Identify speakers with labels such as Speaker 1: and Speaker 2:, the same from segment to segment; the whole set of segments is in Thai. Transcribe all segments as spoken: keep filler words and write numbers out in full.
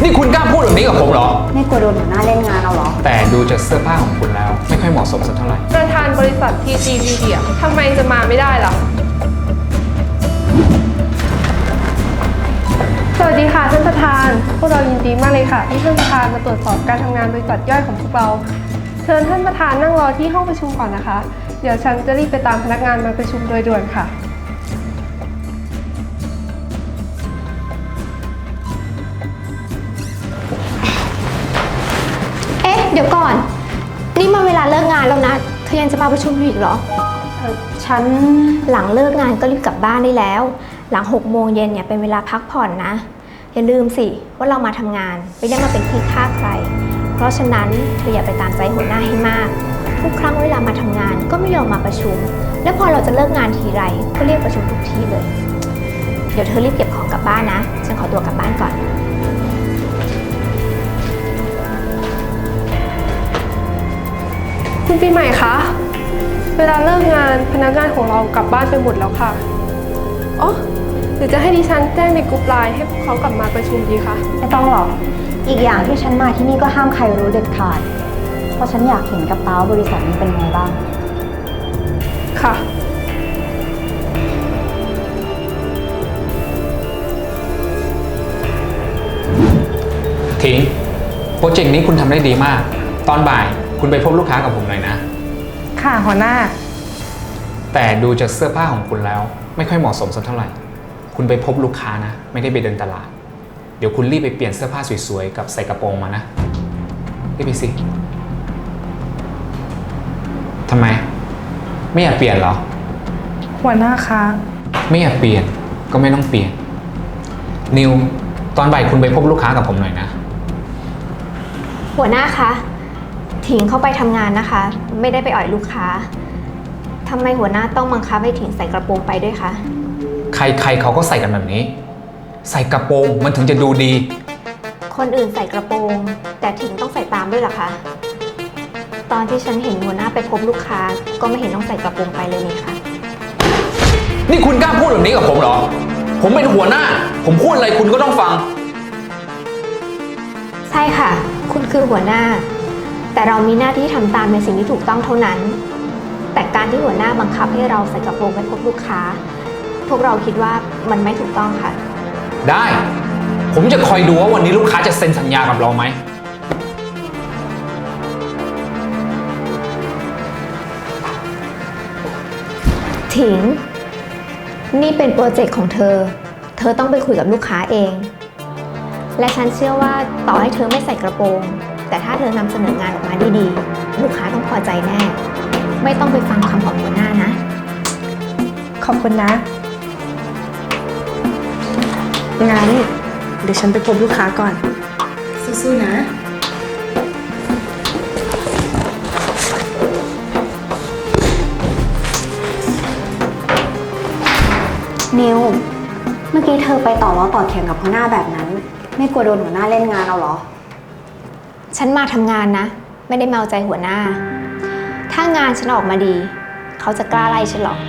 Speaker 1: นี่คุณกล้าพูดแบบนี้กับผมเหรอ
Speaker 2: ไม่กลัวโดนหัวหน้าเล่นงานเอาเหรอ
Speaker 1: แต่ดูจากเสื้อผ้าของคุณแล้วไม่ค่อยเหมาะสมสักเท่าไหร่
Speaker 3: ประธานบริษัท ที จี Media ทำไมจะมาไม่ได้ล่ะสวัสดีค่ะท่านประธานพวกเรายินดีมากเลยค่ะที่ท่านประธานมาตรวจสอบการทำงานบริษัทย่อยของพวกเราเชิญท่านประธานนั่งรอที่ห้องประชุมก่อนนะคะเดี๋ยวฉันจะรีบไปตามพนักงานมาประชุมโดยด่วนค่ะ
Speaker 4: เอ๊ะเดี๋ยวก่อนนี่มาเวลาเลิกงานแล้วนะเธอยังจะมาประชุมอยู่อีกเหรอ
Speaker 2: เออฉัน
Speaker 4: หลังเลิกงานก็รีบกลับบ้านได้แล้วหลังหกโมงเย็นเนี่ยเป็นเวลาพักผ่อนนะอย่าลืมสิว่าเรามาทำงานไม่ได้มาเป็นที่ฆ่าใครเพราะฉะนั้นเธออย่าไปตามใจหัวหน้าให้มากทุกครั้งเวลามาทำงานก็ไม่ยอมมาประชุมและพอเราจะเลิกงานทีไรก็เรียกประชุมทุกทีเลยเดี๋ยวเธอรีบเก็บของกลับบ้านนะฉันขอตัวกลับบ้านก่อน
Speaker 3: คุณปีใหม่คะเวลาเลิกงานพนักงานของเรากลับบ้านไปหมดแล้วค่ะอ๋อหรือจะให้ดิฉันแจ้งในกลุ่มไลน์ให้พวกเขากลับมาประชุมดีคะ
Speaker 2: ไม่ต้องหรอกอีกอย่างที่ฉันมาที่นี่ก็ห้ามใครรู้เด็ดขาดเพราะฉันอยากเห็นกระเป๋าบริษัทนี้เป็นไงบ้าง
Speaker 3: ค่ะ
Speaker 1: ทิ้งโปรเจกต์นี้คุณทำได้ดีมากตอนบ่ายคุณไปพบลูกค้ากับผมหน่อยนะ
Speaker 3: ค่ะหัวหน้า
Speaker 1: แต่ดูจากเสื้อผ้าของคุณแล้วไม่ค่อยเหมาะสมสักเท่าไหร่คุณไปพบลูกค้านะไม่ได้ไปเดินตลาดเดี๋ยวคุณรีบไปเปลี่ยนเสื้อผ้าสวยๆกับใส่กระโปรงมานะรีบไปสิทำไมไม่อยากเปลี่ยนเหรอ
Speaker 3: หัวหน้าคะ
Speaker 1: ไม่อยากเปลี่ยนก็ไม่ต้องเปลี่ยนนิวตอนบ่ายคุณไปพบลูกค้ากับผมหน่อยนะ
Speaker 4: หัวหน้าคะถิงเข้าไปทำงานนะคะไม่ได้ไปอ่อยลูกค้าทำไมหัวหน้าต้องบังคับให้ถิงใส่กระโปรงไปด้วยคะ
Speaker 1: ใครๆเขาก็ใส่กันแบบนี้ใส่กระโปรงมันถึงจะดูดี
Speaker 4: คนอื่นใส่กระโปรงแต่ถิงต้องใส่ตามด้วยเหรอคะตอนที่ฉันเห็นหัวหน้าไปพบลูกค้าก็ไม่เห็นต้องใส่กระโปรงไปเลยนี่คะ
Speaker 1: นี่คุณกล้าพูดแบบนี้กับผมเหรอผมเป็นหัวหน้าผมพูดอะไรคุณก็ต้องฟัง
Speaker 4: ใช่ค่ะคุณคือหัวหน้าแต่เรามีหน้าที่ทำตามในสิ่งที่ถูกต้องเท่านั้นแต่การที่หัวหน้าบังคับให้เราใส่กระโปรงไปพบลูกค้าพวกเราคิดว่ามันไม่ถูกต้องค่ะ
Speaker 1: ได้ผมจะคอยดูว่าวันนี้ลูกค้าจะเซ็นสัญญากับเราไหม
Speaker 4: ถิงนี่เป็นโปรเจกต์ของเธอเธอต้องไปคุยกับลูกค้าเองและฉันเชื่อว่าต่อให้เธอไม่ใส่กระโปรงแต่ถ้าเธอนำเสนองานออกมาดีๆลูกค้าต้องพอใจแน่ไม่ต้องไปฟังคำของหัวหน้านะ
Speaker 3: ขอบคุณนะงั้นเดี๋ยวฉันไปพบลูกค้าก่อนสู้ๆนะ
Speaker 2: นิวเมื่อกี้เธอไปต่อล้อต่อเถียงกับหัวหน้าแบบนั้นไม่กลัวโดนหัวหน้าเล่นงานเอาเหรอ
Speaker 4: ฉันมาทำงานนะไม่ได้เมาใจหัวหน้าถ้างานฉันออกมาดีเขาจะกล้าไล่ฉันหรอ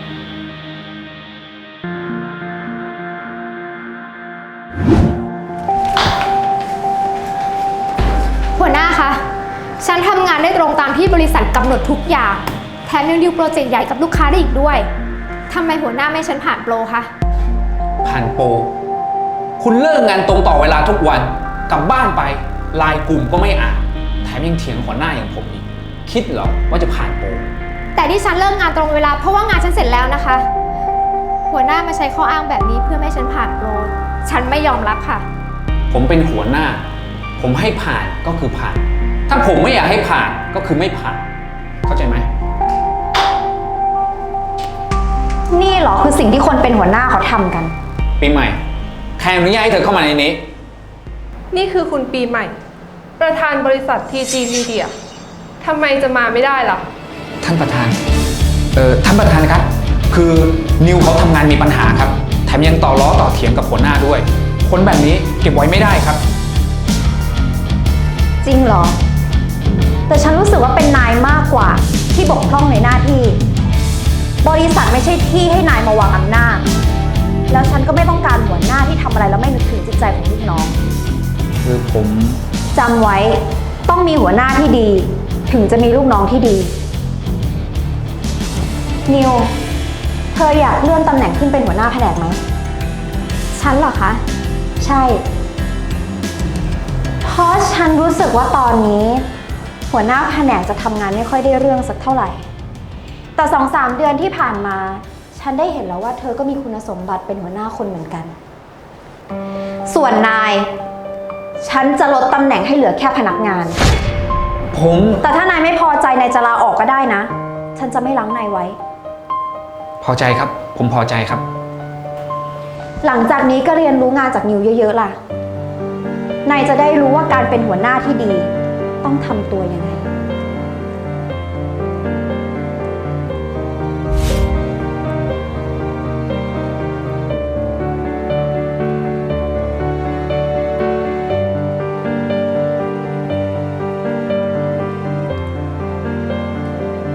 Speaker 4: หัวหน้าคะฉันทำงานได้ตรงตามที่บริษัทกำหนดทุกอย่างแถมยังดิวโปรเจกต์ใหญ่กับลูกค้าได้อีกด้วยทำไมหัวหน้าไม่ฉันผ่านโปรคะ
Speaker 1: ผ่านโปรคุณเลิกงานตรงต่อเวลาทุกวันกลับบ้านไปไลน์กลุ่มก็ไม่อ่านแถมยังเถียงหัวหน้าอย่างผมอีกคิดเหรอว่าจะผ่านโปร
Speaker 4: แต่ที่ฉันเลิกงานตรงเวลาเพราะว่างานฉันเสร็จแล้วนะคะหัวหน้ามาใช้ข้ออ้างแบบนี้เพื่อไม่ให้ฉันผ่านโปรฉันไม่ยอมรับค่ะ
Speaker 1: ผมเป็นหัวหน้าผมให้ผ่านก็คือผ่านถ้าผมไม่อยากให้ผ่านก็คือไม่ผ่านเข้าใจไหม
Speaker 2: นี่เหรอคือสิ่งที่คนเป็นหัวหน้าเขาทำกัน
Speaker 1: ปีใหม่ใครอนุญาตให้เธอเข้ามาในนี้
Speaker 3: นี่คือคุณปีใหม่ประธานบริษัท ที จี Media ทำไมจะมาไม่ได้ล่ะ
Speaker 1: ท่านประธานเอ่อท่านประธานครับคือนิวเขาทำงานมีปัญหาครับแถมยังต่อล้อต่อเถียงกับหัวหน้าด้วยคนแบบนี้เก็บไว้ไม่ได้ครับ
Speaker 2: จริงเหรอแต่ฉันรู้สึกว่าเป็นนายมากกว่าที่บกพร่องในหน้าที่บริษัทไม่ใช่ที่ให้นายมาวางอำนาจแล้วฉันก็ไม่ต้องการหัวหน้าที่ทำอะไรแล้วไม่นึกถึงจิตใจของลูกน้อง
Speaker 1: คือผม
Speaker 2: จำไว้ต้องมีหัวหน้าที่ดี ถึงจะมีลูกน้องที่ดี นิว เธออยากเลื่อนตำแหน่งขึ้นเป็นหัวหน้าแผนกไหม
Speaker 4: ฉันเหรอคะ
Speaker 2: ใช่ เพราะฉันรู้สึกว่าตอนนี้ หัวหน้าแผนกจะทำงานไม่ค่อยได้เรื่องสักเท่าไหร่ แต่สองสามเดือนที่ผ่านมา ฉันได้เห็นแล้วว่าเธอก็มีคุณสมบัติเป็นหัวหน้าคนเหมือนกัน ส่วนนาย ฉันจะลดตำแหน่งให้เหลือแค่พนักงาน
Speaker 1: ผม
Speaker 2: แต่ถ้านายไม่พอใจนายจะลาออกก็ได้นะ ฉันจะไม่ล้างนายไว้
Speaker 1: พอใจครับ ผมพอใจครับ
Speaker 2: หลังจากนี้ก็เรียนรู้งานจากนิวเยอะๆล่ะ นายจะได้รู้ว่าการเป็นหัวหน้าที่ดี ต้องทำตัวยังไง